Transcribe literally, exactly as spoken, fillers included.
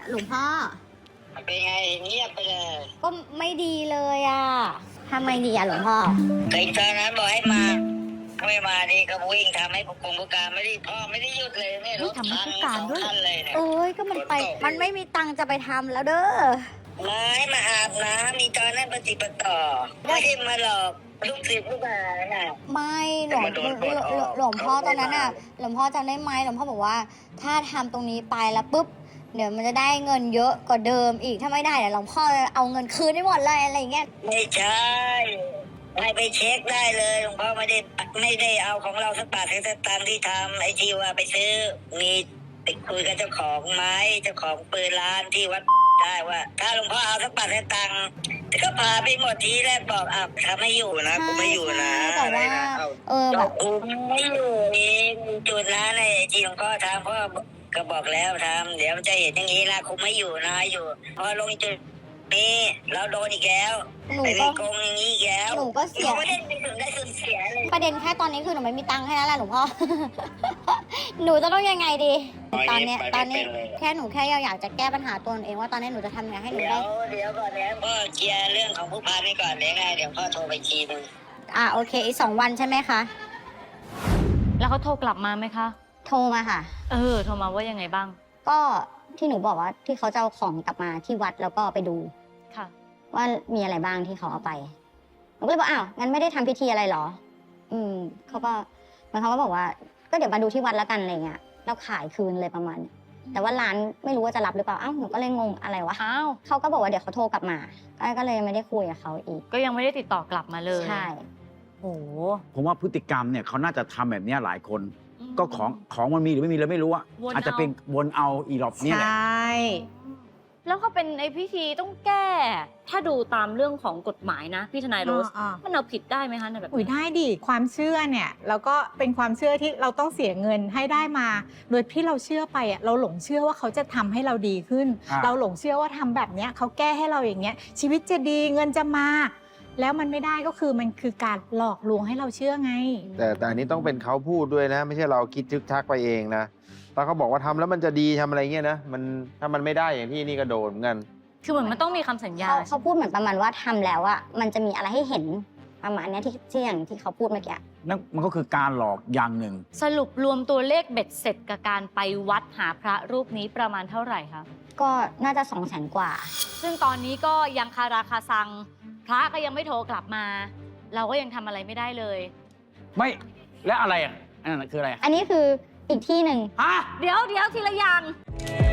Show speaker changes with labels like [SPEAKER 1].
[SPEAKER 1] หลวงพ่อ
[SPEAKER 2] เป็นไงเงียบไปเลย
[SPEAKER 1] ก็ไม่ดีเลยอ่ะทำไมดีอ่ะหลวงพ่อ
[SPEAKER 2] ไอ้ตอนนั้นบอกให้มาไม่มาดีก็วิ่งทำให้ผู้กองผู้การไม่ได้พ่อไม่ได้หยุดเลยเนี่ยรถทางสองคันเลยเนี่ย
[SPEAKER 1] โอ้ยก็มันไปมันไม่มีตังค์จะไปทำแล้วเด้อ
[SPEAKER 2] มาให้มาอาบน้ำมีตอนนั้นปฏิปต่อไม่ใช่มาหลอกลูกศิษย์ลูกหาน่ะ
[SPEAKER 1] ไม่หลวงหลวงพ่อตอนนั้นอ่ะหลวงพ่อจำได้ไหมหลวงพ่อบอกว่าถ้าทำตรงนี้ไปแล้วปุ๊บเดี๋ยวมันจะได้เงินเยอะกว่าเดิมอีกถ้าไม่ได้เดี๋ยวหลวงพ่อเอาเงินคืนได้หมดเลยอะไรเงี้ย
[SPEAKER 2] ไม่ใช่ให้ไปเช็คได้เลยหลวงพ่อไม่ได้ไม่ได้เอาของเราสักบาทสักตังค์ที่ทำไอชีว่าไปซื้อมีไปคุยกับเจ้าของไม้เจ้าของปืนร้านที่วัดได้ว่าถ้าหลวงพ่อเอาสักบาทสักตังค์ก็พาไปหมดทีแรกบอกอ่ะทำไม่อยู่นะกูไม่อยู่นะ
[SPEAKER 1] แต่ว่าเออ
[SPEAKER 2] แบบกูไม่อยู่เองจุดนั้นไอ้ที่หลวงพ่อทำพ่อก็บอกแล้วทำเดี๋ยวจะเห็นอย่างนี้นะคุไม่อยู่นะอยู่พอลงจุดนี้เราโดนอีกแล้ว
[SPEAKER 1] หนูก็
[SPEAKER 2] โกงอย่างนี้อีกแล้ว
[SPEAKER 1] หนูก็เสีย
[SPEAKER 2] ประเด็นถึงได้สูญเสียเลย
[SPEAKER 1] ประเด็นแค่ตอนนี้คือหนูไม่มีตังค์แค่นั้นแหละหลวงพ่อ หนูจะต้องยังไงดีตอนนี้ตอนนี้แค่หนูแค่อยากจะแก้ปัญหาตัวหนูเองว่าตอนนี้หนูจะทำยังไงให้หนูได้
[SPEAKER 2] เดี๋ยวก่อนเดี๋ยวพ่อเคลียร์เรื่องของผู้พันนี่ก่อนเดี๋ยวไงเดี๋ยวพ่อโทรไปทีนึง
[SPEAKER 1] อ่าโอเคอีกสองวันใช่ไหมคะ
[SPEAKER 3] แล้วเขาโทรกลับมาไหมคะ
[SPEAKER 1] โทรมาค่ะ
[SPEAKER 3] เออโทรมาว่ายังไงบ้าง
[SPEAKER 1] ก็ที่หนูบอกว่าที่เขาจะเอาของกลับมาที่วัดแล้วก็ไปดู
[SPEAKER 3] ค่ะ
[SPEAKER 1] ว่ามีอะไรบ้างที่เขาเอาไปหนูก็เลยบอกอ้าวงั้นไม่ได้ทำพิธีอะไรหรออืมเขาก็มันเขาก็บอกว่าก็เดี๋ยวมาดูที่วัดแล้วกันอะไรเงี้ยแล้วขายคืนเลยประมาณแต่ว่าร้านไม่รู้ว่าจะรับหรือเปล่าอ้าวหนูก็เลยงงอะไรวะ
[SPEAKER 3] อ้าว
[SPEAKER 1] เขาก็บอกว่าเดี๋ยวเขาโทรกลับมาก็เลยไม่ได้คุยกับเขาอีก
[SPEAKER 3] ก็ยังไม่ได้ติดต่อกลับมาเลย
[SPEAKER 1] ใช่
[SPEAKER 3] โอ้
[SPEAKER 4] ผมว่าพฤติกรรมเนี่ยเขาน่าจะทำแบบนี้หลายคนก็ของของมันมีหรือไม่มีเราไม่รู้อะอาจจะเป็นวนเอาอีหลอบนี่แหละ
[SPEAKER 3] ใช่แล้วก็เป็นไอพิธีต้องแก้ถ้าดูตามเรื่องของกฎหมายนะพี่ทนายโรสมันเอาผิดได้ไหมคะในแบบ
[SPEAKER 5] อุ้ยได้ดิความเชื่อเนี่ยแล้วก็เป็นความเชื่อที่เราต้องเสียเงินให้ได้มาโดยที่เราเชื่อไปอ่ะเราหลงเชื่อว่าเขาจะทำให้เราดีขึ้นเราหลงเชื่อว่าทำแบบเนี้ยเขาแก้ให้เราอย่างเงี้ยชีวิตจะดีเงินจะมาแล้วมันไม่ได้ก็คือมันคือการหลอกลวงให้เราเชื่อไง
[SPEAKER 6] แต่แต่อันนี้ต้องเป็นเขาพูดด้วยนะไม่ใช่เราคิดทึกทักไปเองนะถ้าเขาบอกว่าทำแล้วมันจะดีทำอะไรเงี้ยนะมันถ้ามันไม่ได้อย่างที่นี่ก็โดนเหมือนกัน
[SPEAKER 3] คือเหมือนมันต้องมีคำสัญญา
[SPEAKER 1] เขาเขาพูดเหมือนประมาณว่าทำแล้วอะมันจะมีอะไรให้เห็นประมาณนี้ที่ที่อย่างที่เขาพูดเมื่อกี้
[SPEAKER 4] นั่นมันก็คือการหลอกอย่างหนึ่ง
[SPEAKER 3] สรุปรวมตัวเลขเบ็ดเสร็จกับการไปวัดหาพระรูปนี้ประมาณเท่าไหร่คะ
[SPEAKER 1] ก็น่าจะสองแสนกว่า
[SPEAKER 3] ซึ่งตอนนี้ก็ยังคาราคาซังพระก็ยังไม่โทรกลับมาเราก็ยังทำอะไรไม่ได้เลย
[SPEAKER 4] ไม่และอะไรอ่ะอันนั้นคืออะไร
[SPEAKER 1] อันนี้คืออีกที่หนึ่ง
[SPEAKER 3] ฮะเดี๋ยวเดี๋ยวทีละอย่าง